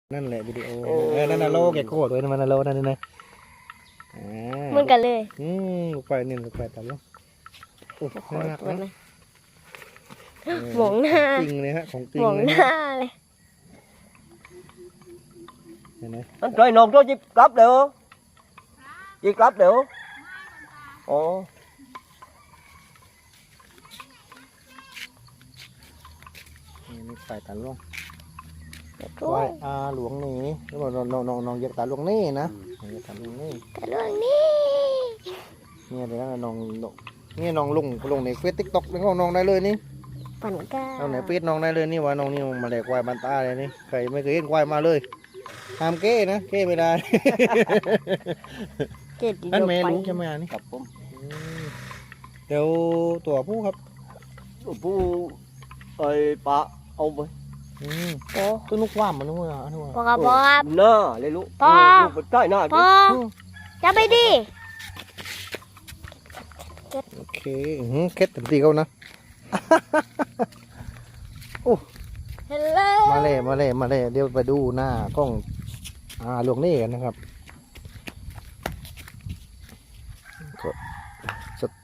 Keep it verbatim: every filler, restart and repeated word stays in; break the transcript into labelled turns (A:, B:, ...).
A: นั่นแหละวิดีโอเออนั่นน่ะโลแกโคตรเลยมันน่ะโลนั่นนี่นะอ่า
B: เหมือนกันเลย
A: อืมลูกไปนี่ลูกไปตามลูกโอ้โหน่ารักนะ
B: หมองหน้า
A: จริงเลยฮะของจริง
B: หมอง
A: เลย
B: หน้าเลย
A: เห็นไหม
C: anh trời nồng cho chị cắp được không chị cắp được không ồ
A: นี่นี่ไปตามลูก
B: ด้
A: ไห
B: ว
A: ว้
B: ย
A: อาหลวงนี่แล้วบอกน้องน้องน้องน้องเหยียบตาหลวงนี่นะน้องเหยียบตาหลวงนี่
B: แต่เรื่องนี้
A: เนี่ยเดี๋ยวนะน้องน้องนี่น้องลงลงในเฟซติ๊กต็อกแล้วก็น้องได้เลยนี่
B: ปั่นก้า
A: เอาไหนเฟซน้องได้เลยนี่ว่าน้องนี่มาแหลกควายบันตาเลยนี่ใครไม่เคยเห็นควายมาเลยห้ามเก้นะเก้ไม่ได้
B: เจ็ด
A: นั่นแม่รู้ใช่ไหมอันนี่
C: cặp không
A: เดี๋ยวตัวผู้ครับ
C: phu ơi bà ông với
A: อืม
B: โอ้
A: ตัวนุกว่ามมันนุกว่าอันนี้ว่า
B: พ่อครับพ่อครับ
C: nè lấy lũ
B: Ba.
C: trái nè
B: พ่อจะไปดิ
A: โอเคอื้อหือเคล็ดเต็มที่เขานะ
B: เฮลโล
A: มาเลยมาเลยมาเลยเดี๋ยวไปดูหน้ากล้องอ่าหลวงนี่กันนะครับกดส